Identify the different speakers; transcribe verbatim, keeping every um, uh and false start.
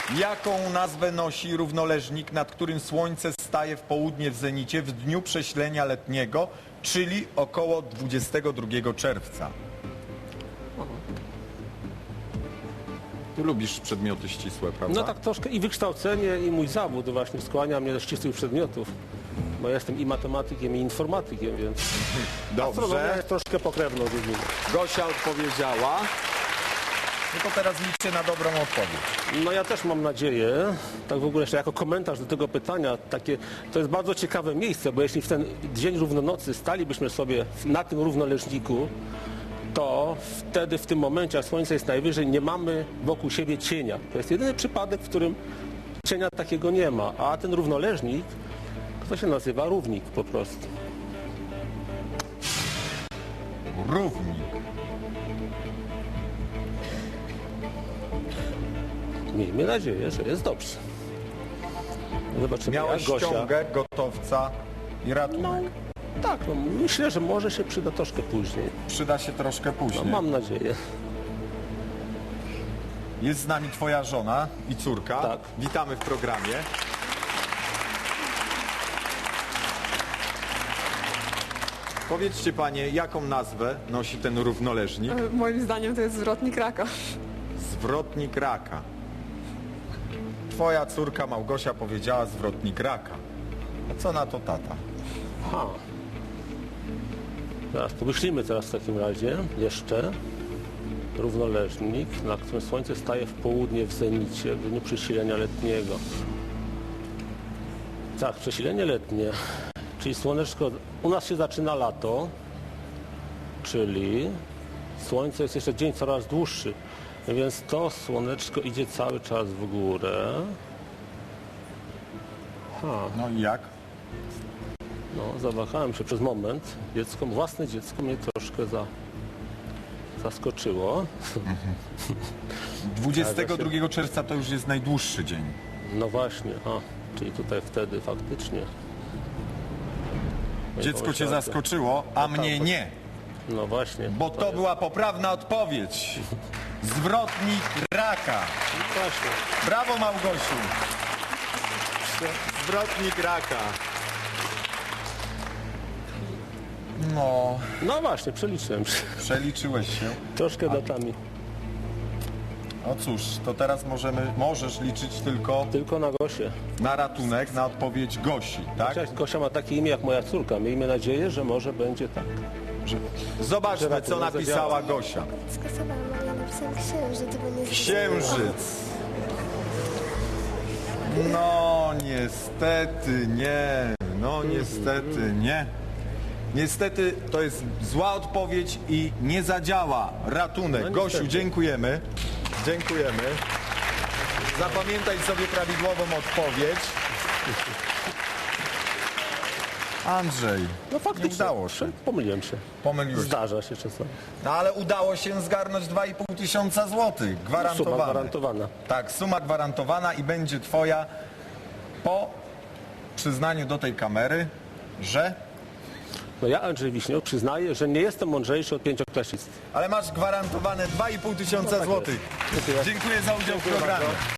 Speaker 1: Jaką nazwę nosi równoleżnik, nad którym słońce staje w południe w zenicie w dniu prześlenia letniego, czyli około dwudziestego drugiego czerwca? Ty lubisz przedmioty ścisłe, prawda?
Speaker 2: No tak troszkę i wykształcenie, i mój zawód właśnie skłania mnie do ścisłych przedmiotów. Bo ja jestem i matematykiem, i informatykiem, więc astronomia
Speaker 1: Dobrze.
Speaker 2: jest troszkę pokrewną dziedziną.
Speaker 1: Gosia odpowiedziała. No to teraz liczę na dobrą odpowiedź.
Speaker 2: No ja też mam nadzieję, tak w ogóle jeszcze jako komentarz do tego pytania, takie, to jest bardzo ciekawe miejsce, bo jeśli w ten dzień równonocy stalibyśmy sobie na tym równoleżniku, to wtedy w tym momencie, jak słońce jest najwyżej, nie mamy wokół siebie cienia. To jest jedyny przypadek, w którym cienia takiego nie ma, a ten równoleżnik, to się nazywa równik po prostu.
Speaker 1: Równik.
Speaker 2: Miejmy nadzieję, że jest dobrze. Zobaczymy,
Speaker 1: Miałeś
Speaker 2: jak Gosia.
Speaker 1: ściągę, gotowca i ratunek.
Speaker 2: Tak, no, myślę, że może się przyda troszkę później.
Speaker 1: Przyda się troszkę
Speaker 2: No,
Speaker 1: później.
Speaker 2: mam nadzieję.
Speaker 1: Jest z nami twoja żona i córka.
Speaker 2: Tak.
Speaker 1: Witamy w programie. Powiedzcie panie, jaką nazwę nosi ten równoleżnik?
Speaker 3: E, Moim zdaniem to jest zwrotnik raka.
Speaker 1: Zwrotnik raka. Twoja córka Małgosia powiedziała zwrotnik raka. A co na to tata?
Speaker 2: Aha. Teraz pomyślimy teraz w takim razie jeszcze. Równoleżnik, na którym słońce staje w południe w zenicie, w dniu przesilenia letniego. Tak, przesilenie letnie, czyli słoneczko, u nas się zaczyna lato, czyli słońce jest jeszcze dzień coraz dłuższy, więc to słoneczko idzie cały czas w górę. Ha,
Speaker 1: No i jak?
Speaker 2: no, zawahałem się przez moment. Dziecko, własne dziecko mnie troszkę za, zaskoczyło.
Speaker 1: dwudziestego drugiego czerwca to już jest najdłuższy dzień.
Speaker 2: No właśnie, a, czyli tutaj wtedy faktycznie. No i
Speaker 1: Dziecko cię
Speaker 2: pomyślałem,
Speaker 1: zaskoczyło, a mnie nie.
Speaker 2: No właśnie.
Speaker 1: Bo to była poprawna odpowiedź. Zwrotnik raka.
Speaker 2: No właśnie.
Speaker 1: Brawo Małgosiu. Zwrotnik raka. No,
Speaker 2: No właśnie, przeliczyłem się.
Speaker 1: przeliczyłeś się.
Speaker 2: Troszkę datami.
Speaker 1: No cóż, to teraz możemy, możesz liczyć tylko
Speaker 2: Tylko na Gosię.
Speaker 1: na ratunek, na odpowiedź Gosi, tak?
Speaker 2: Chociaż Gosia ma takie imię jak moja córka. Miejmy nadzieję, że może będzie tak.
Speaker 1: Zobaczmy,
Speaker 2: Że
Speaker 1: co
Speaker 2: ratunek
Speaker 1: napisała
Speaker 2: zadziała.
Speaker 1: Gosia.
Speaker 4: Skasowałam, ale ja napisałam księżyc, bo nie
Speaker 1: Księżyc. No niestety nie, no niestety nie. Niestety to jest zła odpowiedź i nie zadziała ratunek.
Speaker 2: No,
Speaker 1: Gosiu,
Speaker 2: niestety.
Speaker 1: dziękujemy. Dziękujemy. Zapamiętaj sobie prawidłową odpowiedź. Andrzej,
Speaker 2: No faktycznie.
Speaker 1: nie udało się.
Speaker 2: Pomyliłem się.
Speaker 1: Pomyliłeś.
Speaker 2: Zdarza się czasami.
Speaker 1: No ale udało się zgarnąć dwa i pół tysiąca złotych.
Speaker 2: Suma
Speaker 1: Gwarantowane.
Speaker 2: gwarantowana.
Speaker 1: Tak, suma gwarantowana i będzie twoja po przyznaniu do tej kamery, że...
Speaker 2: No ja, Andrzej Wiśniok, przyznaję, że nie jestem mądrzejszy od pięcioklasisty.
Speaker 1: Ale masz gwarantowane dwa i pół tysiąca
Speaker 2: tak
Speaker 1: złotych.
Speaker 2: jest. Dziękuję.
Speaker 1: Dziękuję za udział w
Speaker 2: Dziękuję
Speaker 1: programie.
Speaker 2: bardzo.